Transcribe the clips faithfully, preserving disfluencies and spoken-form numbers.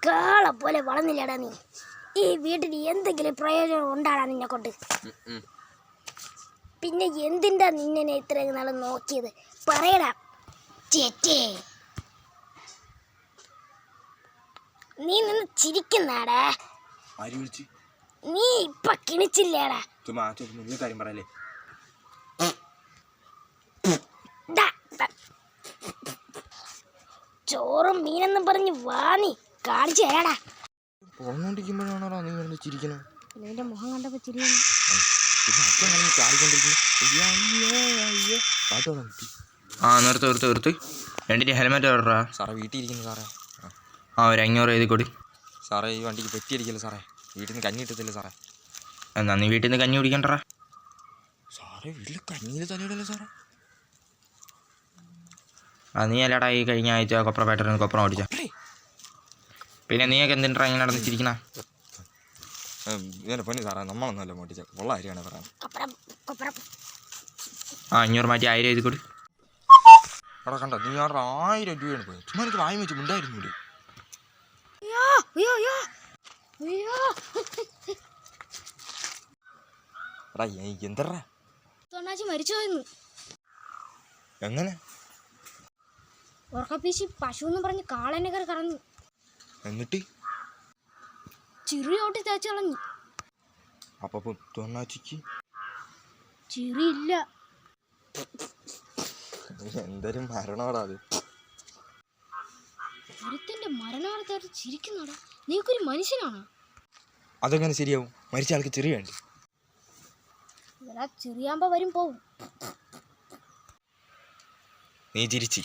കാള പോലെ വളർന്നില്ലടാ നീ. ഈ വീട്ടിൽ എന്തെങ്കിലും പ്രയോജനം ഉണ്ടാടാ നിന്നെ കൊണ്ട്? പിന്നെ എന്തിൻ്റെ നിന്നെ ഇത്രയും നാൾ നോക്കിയത് പറയടാ ചേച്ചേ. നീ നിന്ന് ചിരിക്കുന്നാടാ. നീ ഇപ്പൊ കിണിച്ചില്ലേടാ. ചോറും മീനെന്നും പറഞ്ഞ് വാ നീ കാണിച്ചു തരാടാ. പോന്നോണ്ടിരിക്കുമ്പോഴാണോടാ നീ വന്ന് ചിരിക്കണം? നിന്റെ മുഖം കണ്ടപ്പോ ചിരിയാണ്. ആ നിർത്ത് നിർത്ത് നിർത്ത്. രണ്ടിൻ്റെ ഹെൽമെറ്റ് ഓർഡറാ സാറേ. വീട്ടിൽ ഇരിക്കുന്നു സാറേ. ആ ഒരു അഞ്ഞൂറ് എഴുതി കൊടു സാറേ. ഈ വണ്ടിക്ക് പെറ്റിയടിക്കല്ലോ സാറേ. വീട്ടിൽ നിന്ന് കഞ്ഞി കിട്ടത്തില്ല സാറേ. എന്നാ നീ വീട്ടിൽ നിന്ന് കഞ്ഞി കുടിക്കണ്ടറാ. സാറേ വീട്ടിൽ കഞ്ഞിയിൽ തലയിടല്ലേ സാറേ. ആ നീ അല്ലാടാ ഈ കഴിഞ്ഞ ആഴ്ച കൊപ്ര പാറ്ററിന് കൊപ്ര ഓടിച്ച. പിന്നെ നീയൊക്കെ എന്തിനാ ഇങ്ങനെ നടന്ന് ചിരിക്കണ? ഇതിനെ പൊന്നി സാറേ, നമ്മളൊന്നുമല്ല മോട്ടിച്ച ഉള്ള കാര്യമാണ് പറയാൻ. ആ അഞ്ഞൂറ് മാറ്റി ആയിരം എഴുതി കൊടു. അവിടെ കണ്ടോ നീ അവിടെ ആയിരം രൂപയാണ് പോയത്. ചുമ്മാ എനിക്ക് വാങ്ങി വെച്ച് ഉണ്ടായിരുന്നില്ലേ? എടാ എന്തറാ മരിച്ചു പോയെന്ന്. എങ്ങനെ? ഉറക്കപ്പീശി പശു എന്ന് പറഞ്ഞ് കാളനെ കയറി കറന്നു. എന്നിട്ട് ചിറി ഓട്ടി തേച്ച് കളഞ്ഞു. അപ്പൊ തൊണ്ണാച്ചിക്ക് ചിറിയില്ല. എന്തൊരു മരണോടാ അത്. ഒരുത്തന്റെ മരണവാർത്ത ചിരിക്കുന്നാടാ. നീക്കൊരു മനുഷ്യനാണോ? അതെങ്ങനെ ശരിയാവും? മരിച്ച ആൾക്ക് ചെറിയ വേണ്ടി. ചെറിയാകുമ്പോ വരും പോവും. നീ ചിരിച്ച്.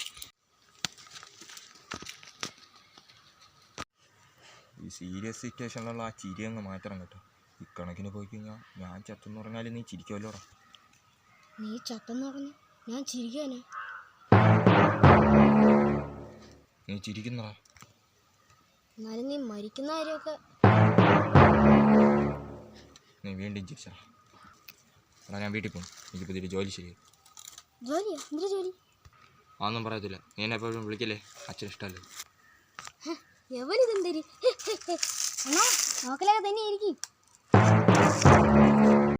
ഈ സീരിയസ് സിറ്റുവേഷനിലുള്ള ആ ചിരി അങ്ങ് മാറ്റണം കേട്ടോ. ഇക്കണക്കിന് പോയി കഴിഞ്ഞാൽ ഞാൻ ചത്തെന്ന് പറഞ്ഞാലും നീ ചിരിക്കുമല്ലോടാ. നീ ചത്തെന്ന് പറഞ്ഞു ഞാൻ ചിരിക്കാനാ? നീ ചിരിക്കുന്നടാ. എന്നാലും നീ മരിക്കുന്ന കാര്യമൊക്കെ നീ വീണ്ടും ചിരിച്ചാ. എടാ ഞാൻ വീട്ടിൽ പോകും. എനിക്ക് പുതിയൊരു ജോലി ശരിയായി. ജോലിയാ? എന്തൊരു ജോലി? അതൊന്നും പറയത്തില്ല. നീ എന്നെ എപ്പോഴും വിളിക്കല്ലേ, അച്ഛൻ ഇഷ്ടമല്ലേ. എവനിതെന്തരി നോക്കലൊക്കെ തന്നെ ഇരിക്കും.